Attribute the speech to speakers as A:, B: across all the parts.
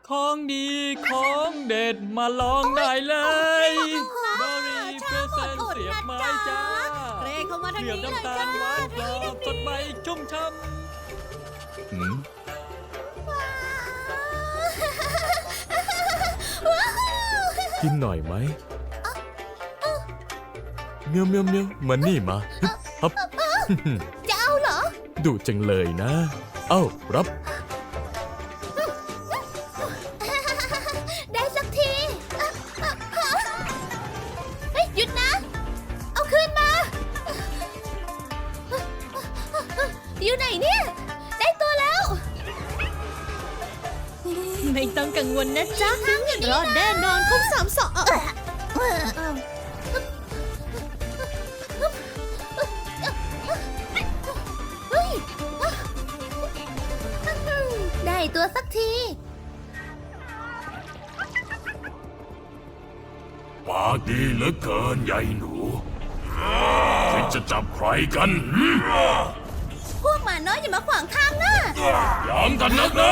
A: ของดีของเด็ดมาลองได้เลยบอรี่เพรสเซนเสียบไม้จ้า
B: เร่เข้ามาทาง
A: เสียบ
B: นี้เลย
A: น้ำตา
B: จ้า
A: ลหวานกรอบสดใหม่ชุ่มช่ำ
C: กินหน่อยไหมเมียวเมียวเมียวมานี่มาฮึบฮับ
B: จะเอาเหรอ
C: ดุจังเลยนะ เอ้ารับ
B: ได้สักทีเฮ้ยหยุดนะ เอาคืนมา อยู่ไหนเนี่ย ได้ตัวแล้ว ไม่ต้องกังวลนะจ๊ะรอดแน่นอนครบ3 ได้ตัวสักที
D: ปากดีเหลือเกินยายหนูคิดจะจับใครกันหืม
B: พวกหมาน้อยอย่ามาขวางทางนะ
D: ยอมกันนักนะ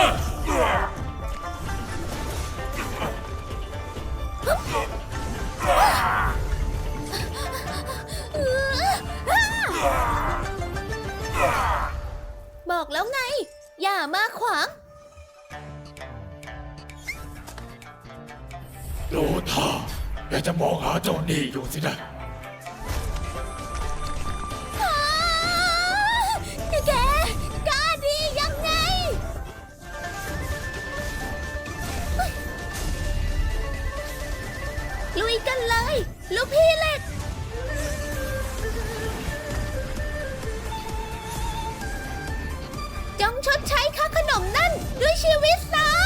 B: บอกแล้วไง อย่ามาขวาง
D: โลท่าแกจะมองหาเจ้านี่อยู่สินะ
B: แกกล้าดียังไง ลุยกันเลย ลูกพี่เหล็ก จงชดใช้ค่าขนมนั่นด้วยชีวิตซะ